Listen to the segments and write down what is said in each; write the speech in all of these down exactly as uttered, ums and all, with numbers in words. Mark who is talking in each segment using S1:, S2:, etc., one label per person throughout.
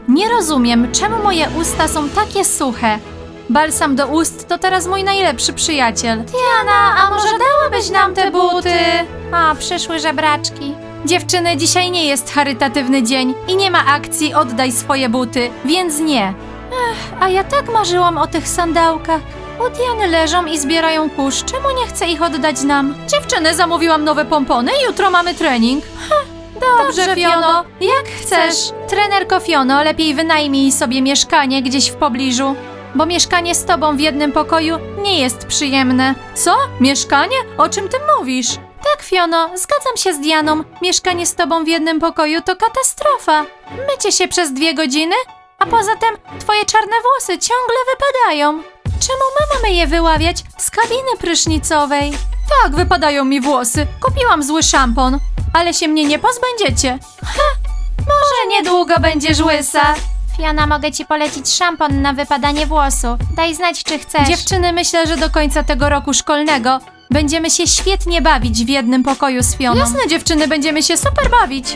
S1: Nie rozumiem, czemu moje usta są takie suche. Balsam do ust to teraz mój najlepszy przyjaciel. Diana, a może dałabyś nam te buty? O, przyszły żebraczki. Dziewczyny, dzisiaj nie jest charytatywny dzień i nie ma akcji oddaj swoje buty, więc nie. Ech, a ja tak marzyłam o tych sandałkach. U Diany leżą i zbierają kurz. Czemu nie chce ich oddać nam? Dziewczyny, zamówiłam nowe pompony i jutro mamy trening. Ha, dobrze, dobrze Fiono, jak chcesz. Trenerko Fiono, lepiej wynajmij sobie mieszkanie gdzieś w pobliżu, bo mieszkanie z tobą w jednym pokoju nie jest przyjemne. Co? Mieszkanie? O czym ty mówisz? Tak, Fiono, zgadzam się z Dianą. Mieszkanie z tobą w jednym pokoju to katastrofa. Mycie się przez dwie godziny, a poza tym twoje czarne włosy ciągle wypadają. Czemu my mamy je wyławiać z kabiny prysznicowej? Tak, wypadają mi włosy. Kupiłam zły szampon, ale się mnie nie pozbędziecie. Ha, może niedługo będziesz łysa.
S2: Fiona, mogę ci polecić szampon na wypadanie włosu. Daj znać, czy chcesz.
S1: Dziewczyny, myślę, że do końca tego roku szkolnego będziemy się świetnie bawić w jednym pokoju z Fioną. Jasne, dziewczyny, będziemy się super bawić.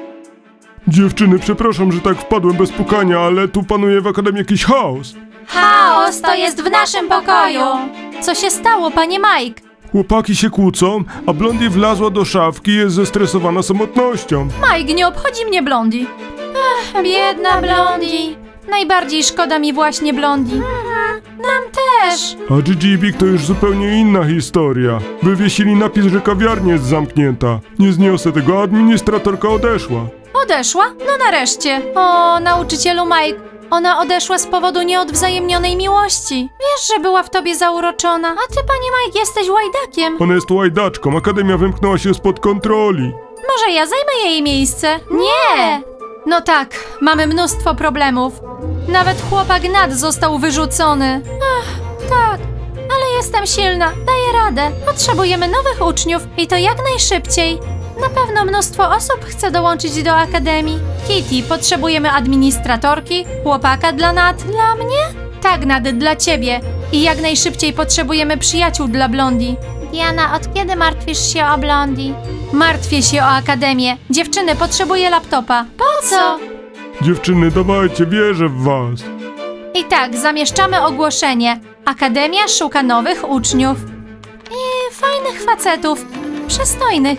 S3: Dziewczyny, przepraszam, że tak wpadłem bez pukania, ale tu panuje w akademii jakiś chaos.
S2: Chaos to jest w naszym pokoju.
S1: Co się stało, panie Mike?
S3: Chłopaki się kłócą, a Blondie wlazła do szafki i jest zestresowana samotnością.
S1: Mike, nie obchodzi mnie Blondie. Ach, biedna Blondie. Najbardziej szkoda mi właśnie Blondie. Mhm, nam też.
S3: A Gigi i Big to już zupełnie inna historia. Wywiesili napis, że kawiarnia jest zamknięta. Nie zniosę tego, a administratorka odeszła.
S1: Odeszła? No nareszcie. O, nauczycielu Mike, ona odeszła z powodu nieodwzajemnionej miłości. Wiesz, że była w tobie zauroczona. A ty, panie Mike, jesteś łajdakiem.
S3: Ona jest łajdaczką, akademia wymknęła się spod kontroli.
S1: Może ja zajmę jej miejsce? Nie! No tak, mamy mnóstwo problemów. Nawet chłopak Nat został wyrzucony. Ach, tak, ale jestem silna, daję radę. Potrzebujemy nowych uczniów i to jak najszybciej. Na pewno mnóstwo osób chce dołączyć do akademii. Kitty, potrzebujemy administratorki, chłopaka dla Nat. Dla mnie? Tak, Nat, dla ciebie. I jak najszybciej potrzebujemy przyjaciół dla Blondie.
S2: Diana, od kiedy martwisz się o Blondie?
S1: Martwię się o akademię. Dziewczyny, potrzebuję laptopa. Po co?
S3: Dziewczyny, dawajcie, wierzę w was.
S1: I tak, zamieszczamy ogłoszenie. Akademia szuka nowych uczniów. I fajnych facetów. Przystojnych.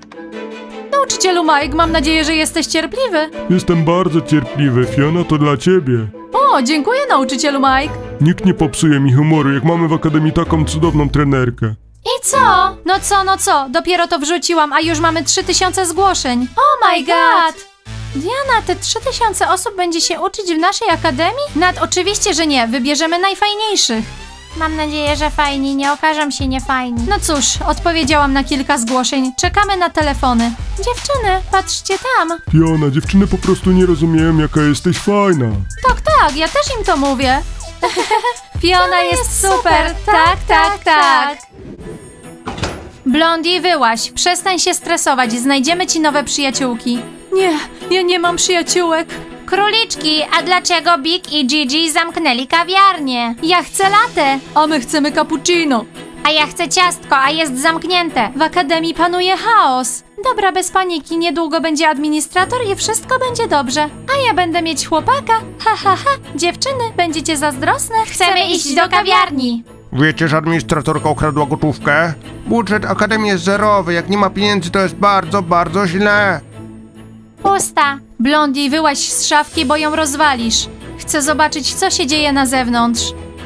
S1: Nauczycielu Mike, mam nadzieję, że jesteś cierpliwy.
S3: Jestem bardzo cierpliwy, Fiona, to dla ciebie.
S1: O, dziękuję, nauczycielu Mike.
S3: Nikt nie popsuje mi humoru, jak mamy w akademii taką cudowną trenerkę.
S1: I co? No co, no co? Dopiero to wrzuciłam, a już mamy trzy tysiące zgłoszeń. Oh my god! Diana, te trzy tysiące osób będzie się uczyć w naszej akademii? Nad oczywiście, że nie. Wybierzemy najfajniejszych.
S2: Mam nadzieję, że fajni nie okażą się niefajni.
S1: No cóż, odpowiedziałam na kilka zgłoszeń. Czekamy na telefony. Dziewczyny, patrzcie tam.
S3: Fiona, dziewczyny po prostu nie rozumieją, jaka jesteś fajna.
S1: Tak, tak, ja też im to mówię. Fiona jest super, tak, tak, tak. Blondie, wyłaź, przestań się stresować, znajdziemy ci nowe przyjaciółki. Nie, ja nie mam przyjaciółek.
S2: Króliczki, a dlaczego Big i Gigi zamknęli kawiarnię?
S1: Ja chcę latę, a my chcemy cappuccino.
S2: A ja chcę ciastko, a jest zamknięte.
S1: W akademii panuje chaos. Dobra, bez paniki, niedługo będzie administrator i wszystko będzie dobrze. A ja będę mieć chłopaka. Ha, ha, ha. Dziewczyny, będziecie zazdrosne?
S2: Chcemy iść do kawiarni.
S4: Wiecie, że administratorka ukradła gotówkę? Budżet akademii jest zerowy, jak nie ma pieniędzy, to jest bardzo, bardzo źle.
S2: Pusta.
S1: Blondie, wyłaź z szafki, bo ją rozwalisz. Chcę zobaczyć, co się dzieje na zewnątrz.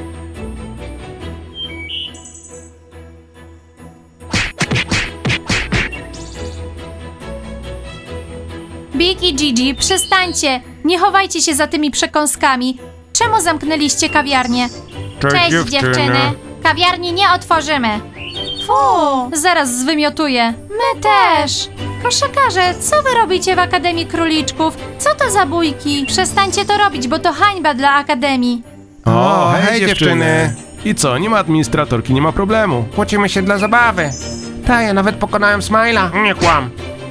S1: Big i Gigi, przestańcie! Nie chowajcie się za tymi przekąskami. Czemu zamknęliście kawiarnię?
S4: Cześć,
S2: Cześć dziewczyny. Kawiarni nie otworzymy.
S1: Fu, zaraz zwymiotuję. My też. Koszykarze, co wy robicie w Akademii Króliczków? Co to za bójki? Przestańcie to robić, bo to hańba dla Akademii.
S4: O, hej dziewczyny.
S5: I co, nie ma administratorki, nie ma problemu.
S4: Kłócimy się dla zabawy. Ta, ja nawet pokonałem Smajla. Nie kłam.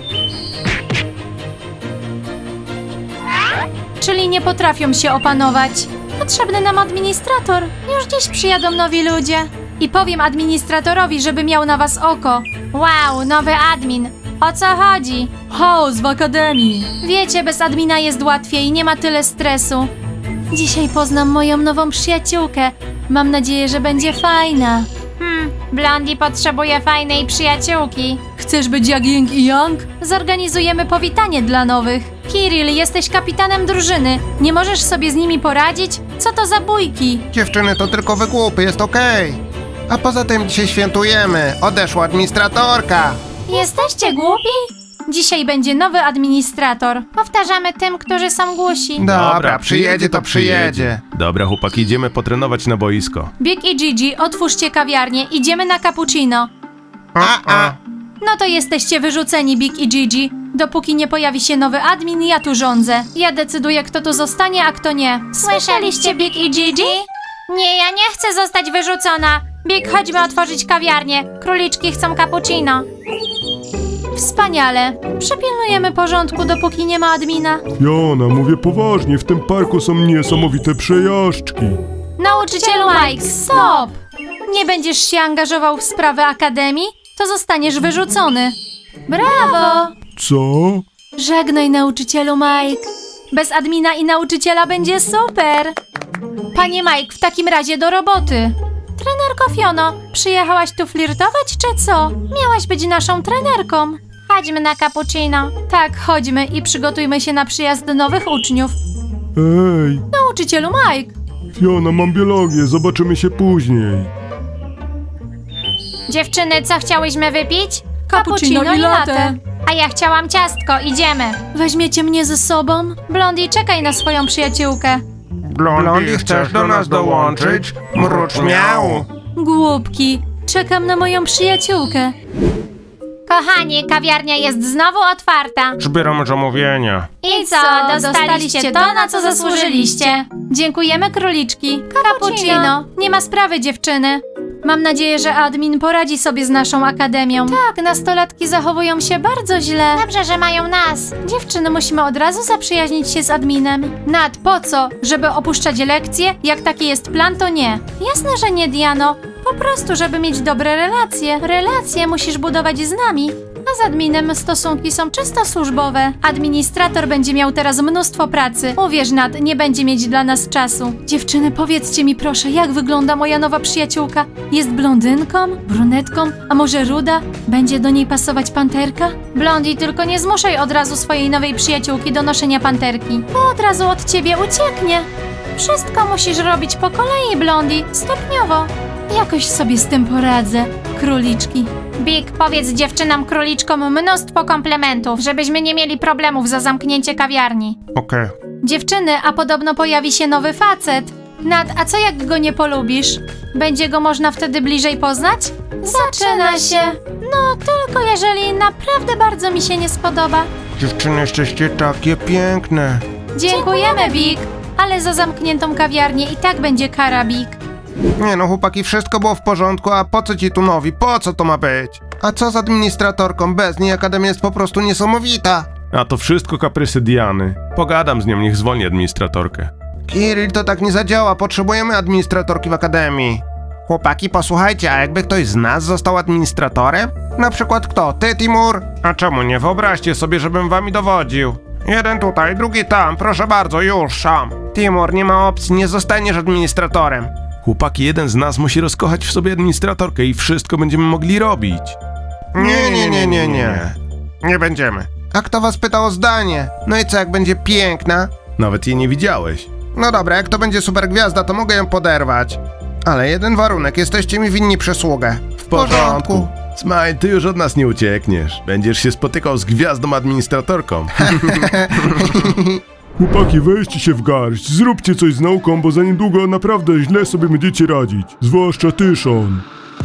S1: Czyli nie potrafią się opanować. Potrzebny nam administrator. Już dziś przyjadą nowi ludzie. I powiem administratorowi, żeby miał na was oko.
S2: Wow, nowy admin.
S1: O co chodzi? Chaos w akademii. Wiecie, bez admina jest łatwiej, nie ma tyle stresu. Dzisiaj poznam moją nową przyjaciółkę. Mam nadzieję, że będzie fajna.
S2: Hmm, Blondie potrzebuje fajnej przyjaciółki.
S1: Chcesz być jak Ying i Yang? Zorganizujemy powitanie dla nowych. Kiril, jesteś kapitanem drużyny. Nie możesz sobie z nimi poradzić? Co to za bójki?
S4: Dziewczyny, to tylko wygłupy, jest okej. A poza tym dzisiaj świętujemy. Odeszła administratorka.
S1: Jesteście głupi? Dzisiaj będzie nowy administrator.
S2: Powtarzamy tym, którzy są głusi.
S4: Dobra, przyjedzie to przyjedzie.
S5: Dobra, chłopaki, idziemy potrenować na boisko.
S1: Big i Gigi, otwórzcie kawiarnię, idziemy na cappuccino.
S4: A, a.
S1: No to jesteście wyrzuceni, Big i Gigi. Dopóki nie pojawi się nowy admin, ja tu rządzę. Ja decyduję, kto tu zostanie, a kto nie. Słyszeliście, Big i Gigi?
S2: Nie, ja nie chcę zostać wyrzucona. Big, chodźmy otworzyć kawiarnię. Króliczki chcą cappuccino.
S1: Wspaniale. Przypilnujemy porządku, dopóki nie ma admina.
S3: Jana, mówię poważnie, w tym parku są niesamowite przejażdżki.
S1: Nauczycielu Mike, stop! Nie będziesz się angażował w sprawy akademii? To zostaniesz wyrzucony. Brawo!
S3: Co?
S1: Żegnaj, nauczycielu Mike. Bez admina i nauczyciela będzie super. Panie Mike, w takim razie do roboty. Trenerko Fiono, przyjechałaś tu flirtować, czy co? Miałaś być naszą trenerką.
S2: Chodźmy na cappuccino.
S1: Tak, chodźmy i przygotujmy się na przyjazd nowych uczniów.
S3: Ej,
S1: Nauczycielu Mike.
S3: Fiona, mam biologię, zobaczymy się później.
S2: Dziewczyny, co chciałyśmy wypić?
S1: Cappuccino i latte.
S2: A ja chciałam ciastko, idziemy.
S1: Weźmiecie mnie ze sobą? Blondie, czekaj na swoją przyjaciółkę.
S4: Blondie, chcesz do nas dołączyć? Mrucz miał.
S1: Głupki, czekam na moją przyjaciółkę.
S2: Kochani, kawiarnia jest znowu otwarta.
S4: Zbieram zamówienia.
S2: I co, dostaliście to, na co zasłużyliście?
S1: Dziękujemy, króliczki. Cappuccino. Nie ma sprawy, dziewczyny. Mam nadzieję, że admin poradzi sobie z naszą akademią. Tak, nastolatki zachowują się bardzo źle.
S2: Dobrze, że mają nas.
S1: Dziewczyny, musimy od razu zaprzyjaźnić się z adminem. Nad, po co? Żeby opuszczać lekcje? Jak taki jest plan, to nie. Jasne, że nie, Diano. Po prostu, żeby mieć dobre relacje. Relacje musisz budować z nami. A z adminem stosunki są czysto służbowe. Administrator będzie miał teraz mnóstwo pracy. Uwierz, Nad, nie będzie mieć dla nas czasu. Dziewczyny, powiedzcie mi proszę, jak wygląda moja nowa przyjaciółka? Jest blondynką? Brunetką? A może ruda? Będzie do niej pasować panterka? Blondi, tylko nie zmuszaj od razu swojej nowej przyjaciółki do noszenia panterki. Bo od razu od ciebie ucieknie. Wszystko musisz robić po kolei, Blondi, stopniowo. Jakoś sobie z tym poradzę, króliczki.
S2: Big, powiedz dziewczynom króliczkom mnóstwo komplementów, żebyśmy nie mieli problemów za zamknięcie kawiarni.
S4: Okej.
S1: Dziewczyny, a podobno pojawi się nowy facet. Nad, a co jak go nie polubisz? Będzie go można wtedy bliżej poznać? Zaczyna się. No, tylko jeżeli naprawdę bardzo mi się nie spodoba.
S4: Dziewczyny, jesteście takie piękne.
S1: Dziękujemy, Big. Ale za zamkniętą kawiarnię i tak będzie kara, Big.
S4: Nie no, chłopaki, wszystko było w porządku, a po co ci tu nowi? Po co to ma być? A co z administratorką? Bez niej akademia jest po prostu niesamowita.
S5: A to wszystko kaprysy Diany. Pogadam z nią, niech zwolni administratorkę.
S4: Kiril, to tak nie zadziała, potrzebujemy administratorki w akademii. Chłopaki, posłuchajcie, a jakby ktoś z nas został administratorem? Na przykład kto? Ty, Timur? A czemu nie? Wyobraźcie sobie, żebym wami dowodził. Jeden tutaj, drugi tam, proszę bardzo, już, sam. Timur, nie ma opcji, nie zostaniesz administratorem.
S5: Chłopaki, jeden z nas musi rozkochać w sobie administratorkę i wszystko będziemy mogli robić.
S4: Nie, nie, nie, nie, nie. Nie będziemy. A kto was pytał o zdanie? No i co, jak będzie piękna?
S5: Nawet jej nie widziałeś.
S4: No dobra, jak to będzie super gwiazda, to mogę ją poderwać. Ale jeden warunek, jesteście mi winni przysługę. W porządku.
S5: Smile, ty już od nas nie uciekniesz. Będziesz się spotykał z gwiazdą administratorką.
S3: Chłopaki, weźcie się w garść, zróbcie coś z nauką, bo za niedługo naprawdę źle sobie będziecie radzić. Zwłaszcza ty, Sean.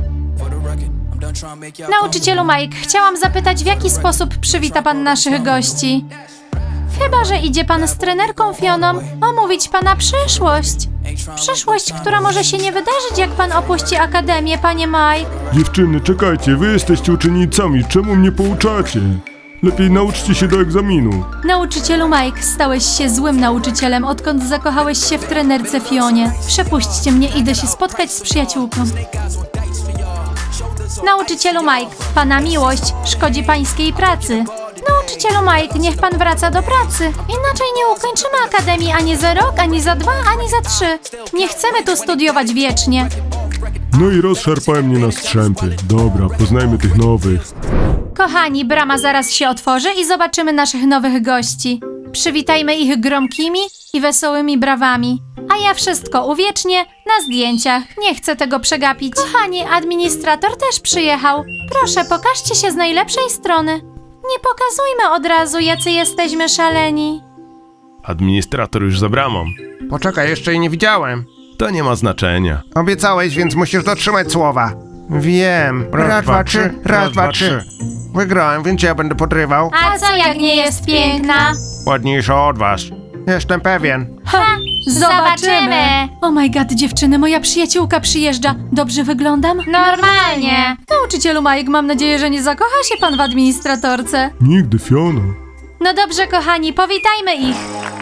S1: Nauczycielu Mike, chciałam zapytać, w jaki sposób przywita pan naszych gości? Chyba że idzie pan z trenerką Fioną omówić pana przyszłość. Przyszłość, która może się nie wydarzyć, jak pan opuści akademię, panie Mike.
S3: Dziewczyny, czekajcie, wy jesteście uczennicami, czemu mnie pouczacie? Lepiej nauczcie się do egzaminu.
S1: Nauczycielu Mike, stałeś się złym nauczycielem, odkąd zakochałeś się w trenerce Fionie. Przepuśćcie mnie, idę się spotkać z przyjaciółką. Nauczycielu Mike, pana miłość szkodzi pańskiej pracy. Nauczycielu Mike, niech pan wraca do pracy. Inaczej nie ukończymy akademii ani za rok, ani za dwa, ani za trzy. Nie chcemy tu studiować wiecznie.
S3: No i rozszarpałem mnie na strzępy. Dobra, poznajmy tych nowych.
S1: Kochani, brama zaraz się otworzy i zobaczymy naszych nowych gości. Przywitajmy ich gromkimi i wesołymi brawami. A ja wszystko uwiecznię na zdjęciach. Nie chcę tego przegapić. Kochani, administrator też przyjechał. Proszę, pokażcie się z najlepszej strony. Nie pokazujmy od razu, jacy jesteśmy szaleni.
S5: Administrator już za bramą.
S4: Poczekaj, jeszcze jej nie widziałem.
S5: To nie ma znaczenia.
S4: Obiecałeś, więc musisz dotrzymać słowa. Wiem. Raz, dwa, trzy, raz, dwa, trzy. Wygrałem, więc ja będę podrywał.
S1: A co jak nie jest piękna?
S4: Ładniejsza od was. Jestem pewien.
S1: Ha,
S2: zobaczymy.
S1: Oh my god, dziewczyny, moja przyjaciółka przyjeżdża. Dobrze wyglądam?
S2: Normalnie.
S1: Nauczycielu Mike, mam nadzieję, że nie zakocha się pan w administratorce.
S3: Nigdy, Fiona.
S1: No dobrze, kochani, powitajmy ich.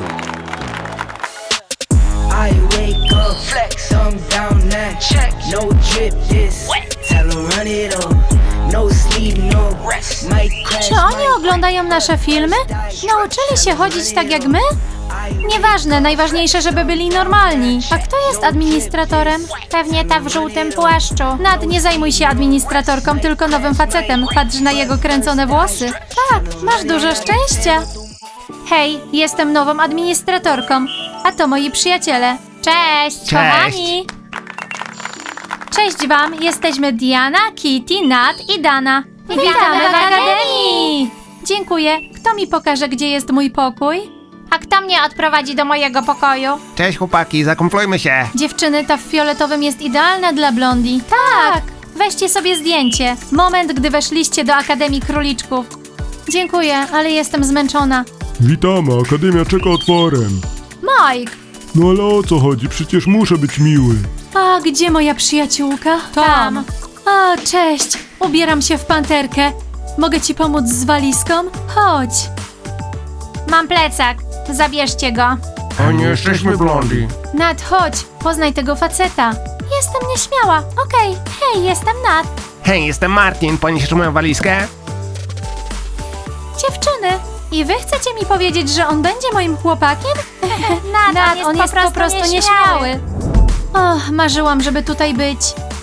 S6: I wake up, flex, I'm down now. Check, no drip this. Tell 'em run it up. No sleep, no rest. Might crash.
S1: Czy oni oglądają nasze filmy? Nauczyli się chodzić tak jak my? Nieważne, najważniejsze, żeby byli normalni. A kto jest administratorem?
S2: Pewnie ta w żółtym płaszczu.
S1: Nad, nie zajmuj się administratorką, tylko nowym facetem. Patrz na jego kręcone włosy. Tak, masz dużo szczęścia. Hej, jestem nową administratorką, a to moi przyjaciele.
S2: Cześć.
S1: Kochani! Cześć wam, jesteśmy Diana, Kitty, Nat i Dana.
S2: Witamy w Akademii!
S1: Dziękuję. Kto mi pokaże, gdzie jest mój pokój?
S2: A kto mnie odprowadzi do mojego pokoju?
S4: Cześć chłopaki, zakumplujmy się.
S1: Dziewczyny, ta w fioletowym jest idealna dla blondi. Tak! Weźcie sobie zdjęcie. Moment, gdy weszliście do Akademii Króliczków. Dziękuję, ale jestem zmęczona.
S3: Witamy, Akademia czeka otworem.
S1: Mike!
S3: No ale o co chodzi? Przecież muszę być miły.
S1: A gdzie moja przyjaciółka?
S2: Tam.
S1: A, cześć. Ubieram się w panterkę. Mogę ci pomóc z walizką? Chodź.
S2: Mam plecak. Zabierzcie go.
S4: O, nie jesteśmy blondi.
S1: Nat, chodź. Poznaj tego faceta. Jestem nieśmiała. Okej. Hej, jestem Nat.
S4: Hej, jestem Martin, poniesiesz moją walizkę?
S1: Dziewczyny, i wy chcecie mi powiedzieć, że on będzie moim chłopakiem?
S2: Nat,
S1: on jest po prostu nieśmiały. O, marzyłam, żeby tutaj być.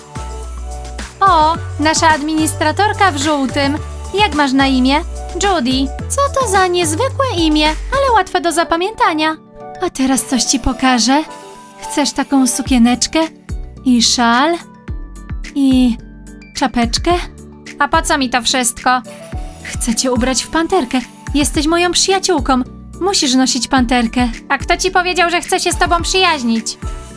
S1: O, nasza administratorka w żółtym. Jak masz na imię? Judy. Co to za niezwykłe imię, ale łatwe do zapamiętania. A teraz coś ci pokażę. Chcesz taką sukieneczkę? I szal? I czapeczkę?
S2: A po co mi to wszystko?
S1: Chcę cię ubrać w panterkę. Jesteś moją przyjaciółką. Musisz nosić panterkę.
S2: A kto ci powiedział, że chce się z tobą przyjaźnić?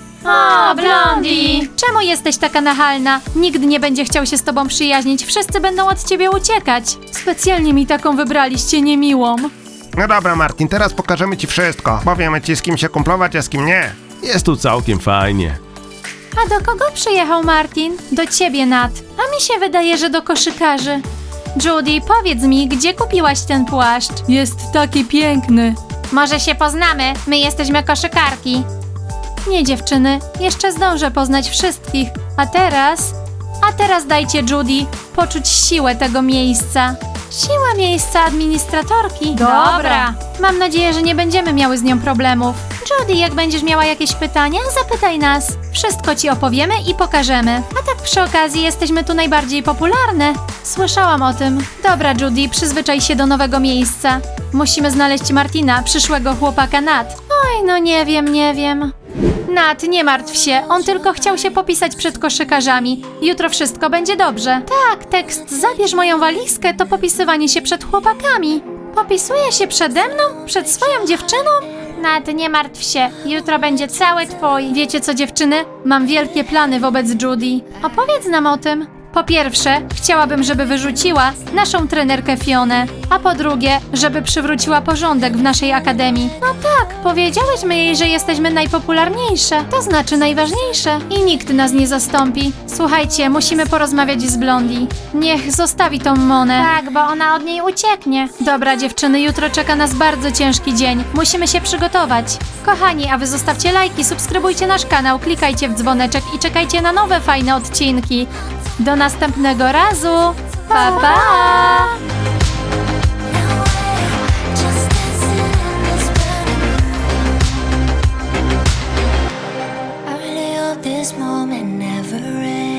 S1: O, Blondie! Czemu jesteś taka nachalna? Nikt nie będzie chciał się z tobą przyjaźnić. Wszyscy będą od ciebie uciekać. Specjalnie mi taką wybraliście niemiłą.
S4: No dobra Martin, teraz pokażemy ci wszystko. Powiemy ci z kim się kumplować, a z kim nie.
S5: Jest tu całkiem fajnie.
S1: A do kogo przyjechał Martin? Do ciebie, Nat. A mi się wydaje, że do koszykarzy. Judy, powiedz mi, gdzie kupiłaś ten płaszcz? Jest taki piękny.
S2: Może się poznamy? My jesteśmy koszykarki.
S1: Nie, dziewczyny, jeszcze zdążę poznać wszystkich. A teraz... A teraz dajcie Judy poczuć siłę tego miejsca. Siła miejsca administratorki.
S2: Dobra.
S1: Mam nadzieję, że nie będziemy miały z nią problemów. Judy, jak będziesz miała jakieś pytania, zapytaj nas. Wszystko ci opowiemy i pokażemy. A tak przy okazji jesteśmy tu najbardziej popularne. Słyszałam o tym. Dobra, Judy, przyzwyczaj się do nowego miejsca. Musimy znaleźć Martina, przyszłego chłopaka Nat. Oj, no nie wiem, nie wiem. Nat, nie martw się, on tylko chciał się popisać przed koszykarzami. Jutro wszystko będzie dobrze. Tak, tekst zabierz moją walizkę to popisywanie się przed chłopakami. Popisuje się przede mną? Przed swoją dziewczyną?
S2: Nat, nie martw się. Jutro będzie cały twój.
S1: Wiecie co, dziewczyny? Mam wielkie plany wobec Judy. Opowiedz nam o tym. Po pierwsze, chciałabym, żeby wyrzuciła naszą trenerkę Fionę. A po drugie, żeby przywróciła porządek w naszej akademii. No tak, powiedziałyśmy jej, że jesteśmy najpopularniejsze. To znaczy najważniejsze. I nikt nas nie zastąpi. Słuchajcie, musimy porozmawiać z Blondie. Niech zostawi tą Monę.
S2: Tak, bo ona od niej ucieknie.
S1: Dobra, dziewczyny, jutro czeka nas bardzo ciężki dzień. Musimy się przygotować. Kochani, a wy zostawcie lajki, subskrybujcie nasz kanał, klikajcie w dzwoneczek i czekajcie na nowe fajne odcinki. Do następnego razu. Pa, pa!
S7: Just dancing in this burning room. I really hope this moment never ends.